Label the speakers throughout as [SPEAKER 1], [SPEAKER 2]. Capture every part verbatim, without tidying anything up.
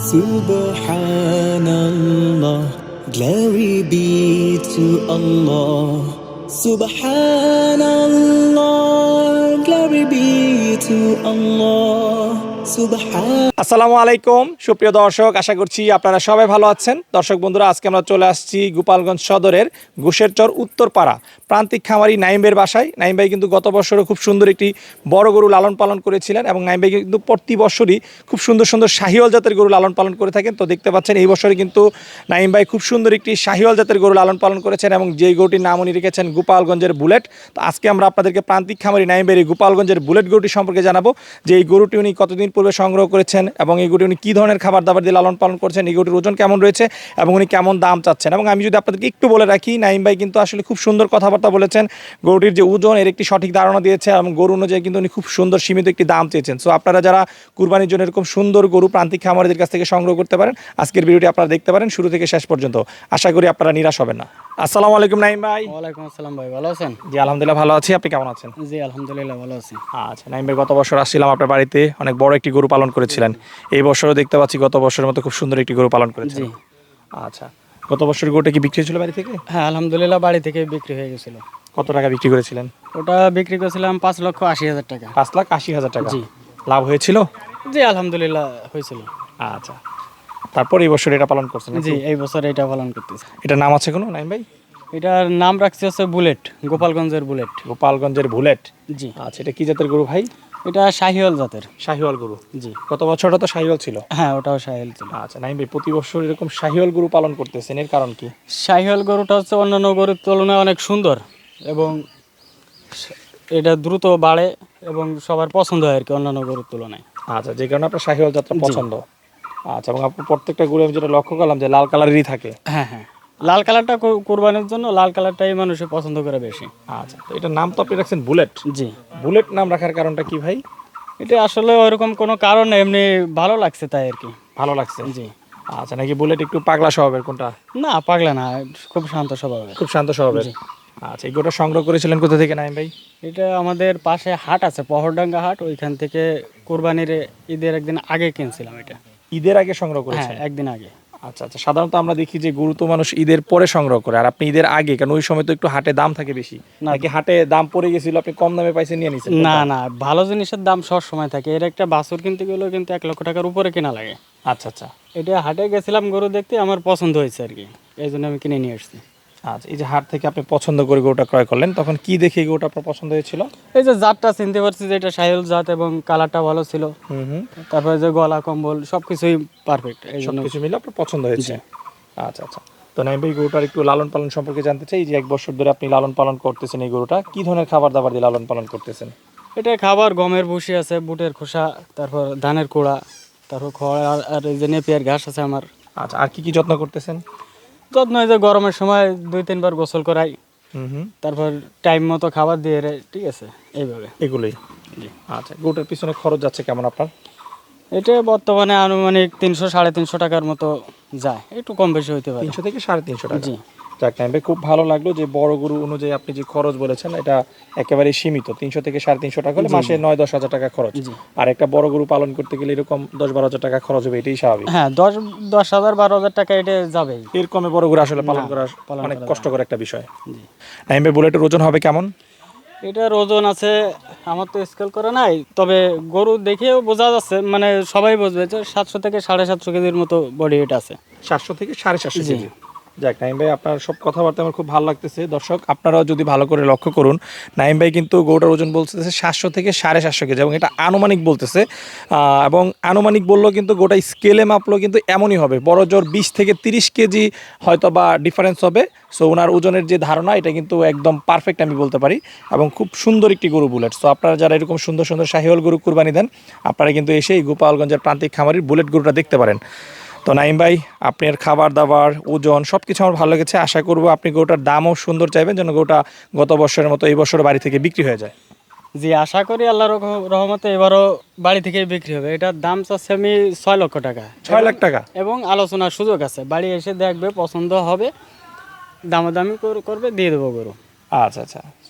[SPEAKER 1] Subhanallah, glory be to Allah. Subhanallah, glory be to Allah. Subhan
[SPEAKER 2] আসসালামু আলাইকুম সুপ্রিয় দর্শক, আশা করছি আপনারা সবাই ভালো আছেন। দর্শক বন্ধুরা, আজকে আমরা চলে আসছি গোপালগঞ্জ সদরের ঘোষেরচর উত্তরপাড়া প্রান্তিক খামারি নাইমের বাসায়। নাইম ভাই কিন্তু গত বছরও খুব সুন্দর একটি বড় গরু লালন পালন করেছিলেন এবং নাইম ভাই কিন্তু প্রতি বছরই খুব সুন্দর সুন্দর শাহিওয়াল জাতের গরু লালন পালন করে থাকেন। তো দেখতে পাচ্ছেন এই বছরে কিন্তু নাইম ভাই খুব সুন্দর একটি শাহিওয়াল জাতের গরু লালন পালন করেছেন এবং যেই গরুটির নাম উনি রেখেছেন গোপালগঞ্জের বুলেট। তো আজকে আমরা আপনাদেরকে প্রান্তিক খামারি নাইম ভাইয়ের এই গোপালগঞ্জের বুলেট গরুটি সম্পর্কে জানাবো, যে এই গরুটি উনি কতদিন পূর্বে সংগ্রহ করেছেন এবং এই গরুটি উনি কী ধরনের খাবার দাবার দিয়ে লালন পালন করছেন, এই গরুটির ওজন কেমন রয়েছে এবং উনি কেমন দাম চাচ্ছেন। এবং আমি যদি আপনাদেরকে একটু বলে রাখি, নাইম ভাই কিন্তু আসলে খুব সুন্দর কথাবার্তা বলেছেন, গরুটির যে ওজন এর একটি সঠিক ধারণা দিয়েছে এবং গরু অনুযায়ী কিন্তু উনি খুব সুন্দর সীমিত একটি দাম চেয়েছেন। সো আপনারা যারা কুরবানির জন্য এরকম সুন্দর গরু প্রান্তিক খামারিদের কাছ থেকে সংগ্রহ করতে পারেন, আজকের ভিডিওটি আপনারা দেখতে পারেন শুরু থেকে শেষ পর্যন্ত। আশা করি আপনারা নিরাশ হবেন না। আসসালামু আলাইকুম নাইম ভাই।
[SPEAKER 3] ওয়ালাইকুম আসসালাম ভাই, ভালো আছেন?
[SPEAKER 2] জি আলহামদুলিল্লাহ ভালো আছি, আপনি কেমন আছেন?
[SPEAKER 3] জি আলহামদুলিল্লাহ ভালো আছি।
[SPEAKER 2] আচ্ছা নাইম ভাই, গত বছর আসছিলাম আপনার বাড়িতে, অনেক বড় একটি গরু পালন করেছিলেন। এই বছরও দেখতে পাচ্ছি গত বছরের মতো খুব সুন্দর একটি গরু পালন করেছেন।
[SPEAKER 3] জি
[SPEAKER 2] আচ্ছা, গত বছর গরুটা কি বিক্রি হয়েছিল বাড়ি থেকে?
[SPEAKER 3] হ্যাঁ আলহামদুলিল্লাহ বাড়ি থেকে বিক্রি হয়ে গেছিল।
[SPEAKER 2] কত টাকা বিক্রি করেছিলেন?
[SPEAKER 3] ওটা বিক্রি করেছিলাম পাঁচ লক্ষ আশি হাজার টাকা।
[SPEAKER 2] পাঁচ লাখ আশি হাজার টাকা।
[SPEAKER 3] জি
[SPEAKER 2] লাভ হয়েছিল?
[SPEAKER 3] জি আলহামদুলিল্লাহ হয়েছিল।
[SPEAKER 2] আচ্ছা, তারপর এই বছর এটা পালন করছেন?
[SPEAKER 3] জি এই বছর এটা পালন করতেছি।
[SPEAKER 2] এটা নাম আছে কোনো নাইম ভাই?
[SPEAKER 3] এটার নাম রাখছি হচ্ছে বুলেট, গোপালগঞ্জের বুলেট।
[SPEAKER 2] গোপালগঞ্জের বুলেট।
[SPEAKER 3] জি
[SPEAKER 2] আচ্ছা, এটা কি জাতের গরু ভাই?
[SPEAKER 3] এটা শাহিওয়াল জাতের।
[SPEAKER 2] শাহিওয়াল গরু।
[SPEAKER 3] জি
[SPEAKER 2] গত বছরটা তো শাহিওয়াল ছিল।
[SPEAKER 3] হ্যাঁ ওটাও শাহিওয়াল ছিল।
[SPEAKER 2] আচ্ছা নাইম ভাই, প্রতি বছর এরকম শাহিওয়াল গরু পালন করতেছেন, এর কারণ কি?
[SPEAKER 3] শাহিওয়াল গরুটা হচ্ছে অন্যান্য গরুর তুলনায় অনেক সুন্দর এবং এটা দ্রুত বাড়ে এবং সবার পছন্দ হয় আর কি অন্যান্য গরুর তুলনায়।
[SPEAKER 2] আচ্ছা, যে কারণে আপনার শাহিওয়াল জাতটা পছন্দ। আচ্ছা, এবং আপনার প্রত্যেকটা গরু আমি যেটা লক্ষ্য করলাম যে লাল কালারেরই থাকে।
[SPEAKER 3] হ্যাঁ হ্যাঁ লাল কালারটা কু- কুরবানির জন্য লাল কালারটাই মানুষে পছন্দ করে বেশি।
[SPEAKER 2] আচ্ছা, তো এটার নাম তো আপনি রাখছেন বুলেট।
[SPEAKER 3] জি
[SPEAKER 2] বুলেট নাম রাখার কারণটা কি ভাই?
[SPEAKER 3] এটা আসলে ওইরকম কোনো কারণ নেই, এমনি ভালো লাগছে তাই আর কি।
[SPEAKER 2] ভালো লাগছে।
[SPEAKER 3] জি
[SPEAKER 2] আচ্ছা, নাকি বুলেট একটু পাগলা স্বভাবের কোনটা?
[SPEAKER 3] না পাগলা না, খুব শান্ত স্বভাবের।
[SPEAKER 2] খুব শান্ত স্বভাবের।
[SPEAKER 3] জি।
[SPEAKER 2] আচ্ছা, এই গরুটা সংগ্রহ করেছিলেন কোথা থেকে নাইম ভাই?
[SPEAKER 3] এটা আমাদের পাশে হাট আছে, পহরডাঙ্গা হাট, ওইখান থেকে কোরবানির ঈদের একদিন আগে কিনছিলাম এটা।
[SPEAKER 2] ঈদের আগে সংগ্রহ
[SPEAKER 3] হ্যাঁ
[SPEAKER 2] করেছেন?
[SPEAKER 3] একদিন আগে।
[SPEAKER 2] আচ্ছা আচ্ছা, সাধারণত আমরা দেখি যে গরু তো মানুষ ঈদের পরে সংগ্রহ করে, আর আপনি ঈদের আগে, কারণ ওই সময় তো একটু হাটে দাম থাকে বেশি।
[SPEAKER 3] না।
[SPEAKER 2] নাকি হাটে দাম পড়ে গেছিল, আপনি কম দামে পাইছেন নিয়ে নিছেন?
[SPEAKER 3] না না ভালো জিনিসের দাম সব সময় থাকে, এর একটা বাছুর কিনতে গেলেও কিন্তু এক লক্ষ টাকার উপরে কেনা লাগে।
[SPEAKER 2] আচ্ছা আচ্ছা।
[SPEAKER 3] এটা হাটে গেছিলাম গরু দেখতে, আমার পছন্দ হয়েছে আর কি, এই জন্য আমি কিনে নিয়ে আসছি।
[SPEAKER 2] আচ্ছা, এই যে হাট থেকে আপনি পছন্দ করে গরুটা ক্রয় করলেন, তখন কি দেখে এই গরুটা আপনার পছন্দ হয়েছিল?
[SPEAKER 3] এই যে জাতটা চিনতে পারছি যে এটা শাহিওয়াল জাত এবং কালারটা ভালো ছিল,
[SPEAKER 2] হুম হুম,
[SPEAKER 3] তারপরে যে গলা কম্বল সবকিছুই পারফেক্ট, এই জন্য।
[SPEAKER 2] সবকিছু মিলে আপনার পছন্দ হয়েছে। আচ্ছা আচ্ছা, তো নাইম ভাই গরুটার একটু লালন পালন সম্পর্কে জানতে চাই। যে এক বছর ধরে আপনি লালন পালন করতেছেন এই গরুটা, কি ধরনের খাবার দাবার দিয়ে লালন পালন করতেছেন?
[SPEAKER 3] এটা খাবার গমের ভুসি আছে, বুটের খোসা, তারপর ধানের কুড়া, তারপর খড় আর আর এই যে নেপিয়ার ঘাস আছে আমার।
[SPEAKER 2] আচ্ছা, আর কি কি যত্ন করতেছেন?
[SPEAKER 3] যত্ন এই যে গরমের সময় দুই তিনবার গোসল করাই,
[SPEAKER 2] হুম হুম,
[SPEAKER 3] তারপর টাইম মতো খাবার দিয়ে রে, ঠিক আছে এইভাবে।
[SPEAKER 2] এগুলোই।
[SPEAKER 3] জি।
[SPEAKER 2] আচ্ছা, গরুটার পিছনে খরচ যাচ্ছে কেমন আপনার?
[SPEAKER 3] এটা বর্তমানে আনুমানিক তিনশো সাড়ে তিনশো টাকার মতো যায়, একটু কম বেশি হইতে পারে।
[SPEAKER 2] তিনশো থেকে সাড়ে তিনশো টাকা।
[SPEAKER 3] জি
[SPEAKER 2] যাক নাইম ভাই, খুব ভালো লাগলো যে বড় গরু অনুযায়ী আপনি যে খরচ বলেছেন এটা একেবারে সীমিত, তিনশো থেকে সাড়ে তিনশো টাকা হলে মাসে নয় দশ হাজার টাকা খরচ।
[SPEAKER 3] জি।
[SPEAKER 2] আর একটা বড় গরু পালন করতে গেলে এরকম দশ বারো হাজার টাকা খরচ হবে, এটাই স্বাভাবিক।
[SPEAKER 3] হ্যাঁ দশ দশ হাজার বারো হাজার টাকা এটা যাবেই।
[SPEAKER 2] এর কমে বড় গরু আসলে পালন
[SPEAKER 3] না,
[SPEAKER 2] করা
[SPEAKER 3] পালন
[SPEAKER 2] অনেক
[SPEAKER 3] করা
[SPEAKER 2] কষ্টকর একটা বিষয়।
[SPEAKER 3] জি।
[SPEAKER 2] নাইম ভাই, বুলেটের ওজন হবে কেমন?
[SPEAKER 3] এটার ওজন আছে, আমার তো স্কেল করা নাই, তবে গরু দেখেও বোঝা যাচ্ছে, মানে সবাই বুঝবে যে সাতশো থেকে সাড়ে সাতশো কেজির মতো বডি ওয়েট আছে।
[SPEAKER 2] সাতশো থেকে সাড়ে সাতশো
[SPEAKER 3] জি।
[SPEAKER 2] কেজি। যাক নাইম ভাই, আপনার সব কথাবার্তা আমার খুব ভালো লাগতেছে। দর্শক আপনারাও যদি ভালো করে লক্ষ্য করুন, নাইম ভাই কিন্তু গরুটার ওজন বলতেছে সাতশো থেকে সাড়ে সাতশো কেজি এবং এটা আনুমানিক বলতেছে। আহ, এবং আনুমানিক বললেও কিন্তু গোটা স্কেলে মাপলেও কিন্তু এমনই হবে, বড় জোর বিশ থেকে তিরিশ কেজি হয়তো বা ডিফারেন্স হবে। সো ওনার ওজনের যে ধারণা এটা কিন্তু একদম পারফেক্ট আমি বলতে পারি, এবং খুব সুন্দর একটি গরু বুলেট। সো আপনারা যারা এরকম সুন্দর সুন্দর শাহিওয়াল গরু কুরবানি দেন, আপনারা কিন্তু এসে এই গোপালগঞ্জের প্রান্তিক খামারির বুলেট গরুটা দেখতে পারেন। তো নাইম ভাই, আপনার খাবার দাবার ওজন সব কিছু আমার ভালো লেগেছে। আশা করবো আপনি গরুটার দামও সুন্দর চাইবেন, যেন গরুটা গত বছরের মতো এই বছর বাড়ি থেকে বিক্রি হয়ে যায়।
[SPEAKER 3] জি আশা করি আল্লাহর রহ- রহমতে এবারও বাড়ি থেকে বিক্রি হবে। এটার দাম চাচ্ছে আমি ছয় লক্ষ টাকা।
[SPEAKER 2] ছয় লাখ টাকা?
[SPEAKER 3] এবং আলোচনার সুযোগ আছে, বাড়ি এসে দেখবে, পছন্দ হবে, দামাদামি কর- করবে, দিয়ে দেবো গরু।
[SPEAKER 2] আচ্ছা আচ্ছা,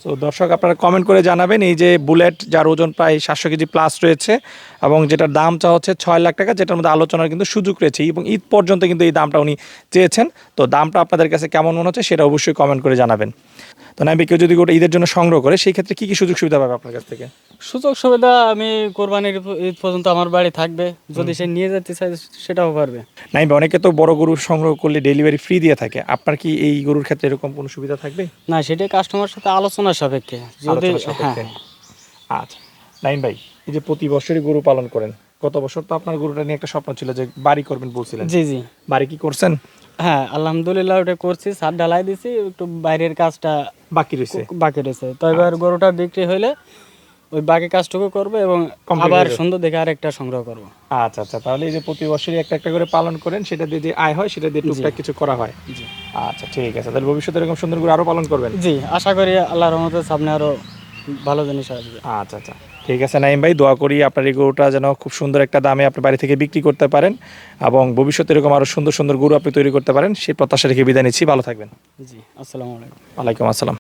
[SPEAKER 2] তো দর্শক আপনারা কমেন্ট করে জানাবেন এই যে বুলেট যার ওজন প্রায় সাতশো কেজি প্লাস রয়েছে এবং যেটার দাম চা হচ্ছে ছয় লাখ টাকা, যেটার মধ্যে আলোচনার কিন্তু সুযোগ রয়েছে এবং ঈদ পর্যন্ত কিন্তু এই দামটা উনি চেয়েছেন। তো দামটা আপনাদের কাছে কেমন মনে হচ্ছে সেটা অবশ্যই কমেন্ট করে জানাবেন। তো নাইম ভাই, কেউ যদি গোটা ঈদের জন্য সংগ্রহ করে সেই ক্ষেত্রে কী কী সুযোগ সুবিধা পাবে আপনার কাছ থেকে?
[SPEAKER 3] সুযোগ সুবিধা আমি কোরবানির ঈদ পর্যন্ত আমার বাড়ি থাকবে, যদি সে নিয়ে যেতে চায় সেটাও পারবে।
[SPEAKER 2] নাইম ভাই, অনেকে তো বড় গরু সংগ্রহ করলে ডেলিভারি ফ্রি দিয়ে থাকে, আপনার কি এই গরুর ক্ষেত্রে এরকম কোনো সুবিধা থাকবে?
[SPEAKER 3] না, সেটাই কাস্টমার সাথে আলোচনার সাপেক্ষে যদি
[SPEAKER 2] আলোচনা
[SPEAKER 3] হ্যাঁ
[SPEAKER 2] সাপেক্ষে। আচ্ছা নাইম ভাই, এই যে প্রতি বছরই গরু পালন করেন, গত বছর তো আপনার গরুটা নিয়ে একটা স্বপ্ন ছিল যে বাড়ি করবেন বলছিলেন,
[SPEAKER 3] জি জি
[SPEAKER 2] বাড়ি কি করছেন?
[SPEAKER 3] হ্যাঁ আলহামদুলিল্লাহ ওটা করছি, ছাদ ঢালাই দিছি, একটু বাইরের কাজটা
[SPEAKER 2] বাকি রয়েছে।
[SPEAKER 3] বাকি রয়েছে। তো এবার গরুটা বিক্রি হইলে ওই বাকি কাজটুকু করবো এবং
[SPEAKER 2] Complete
[SPEAKER 3] আবার
[SPEAKER 2] হয়ে যাবে।
[SPEAKER 3] সুন্দর দেখে আরেকটা সংগ্রহ করবো।
[SPEAKER 2] আচ্ছা আচ্ছা, তাহলে এই যে প্রতি বছরই একটা একটা করে পালন করেন, সেটা দিয়ে যে আয় হয় সেটা দিয়ে টুকটাক কিছু করা হয়।
[SPEAKER 3] জি
[SPEAKER 2] আচ্ছা ঠিক আছে, তাহলে ভবিষ্যতে এরকম সুন্দর করে আরো পালন করবেন।
[SPEAKER 3] জি আশা করি আল্লাহর রহমতের সামনে আরো ভালো জিনিস আসবে।
[SPEAKER 2] আচ্ছা আচ্ছা ঠিক আছে নাইম ভাই, দোয়া করি আপনার এই গরুটা যেন খুব সুন্দর একটা দামে আপনি বাড়ি থেকে বিক্রি করতে পারেন এবং ভবিষ্যতে এরকম আরো সুন্দর সুন্দর গরু আপনি তৈরি করতে পারেন, সেই প্রত্যাশা রেখে বিদায় নিচ্ছি। ভালো থাকবেন।
[SPEAKER 3] জি আসসালামু আলাইকুম।
[SPEAKER 2] ওয়ালাইকুম আসসালাম।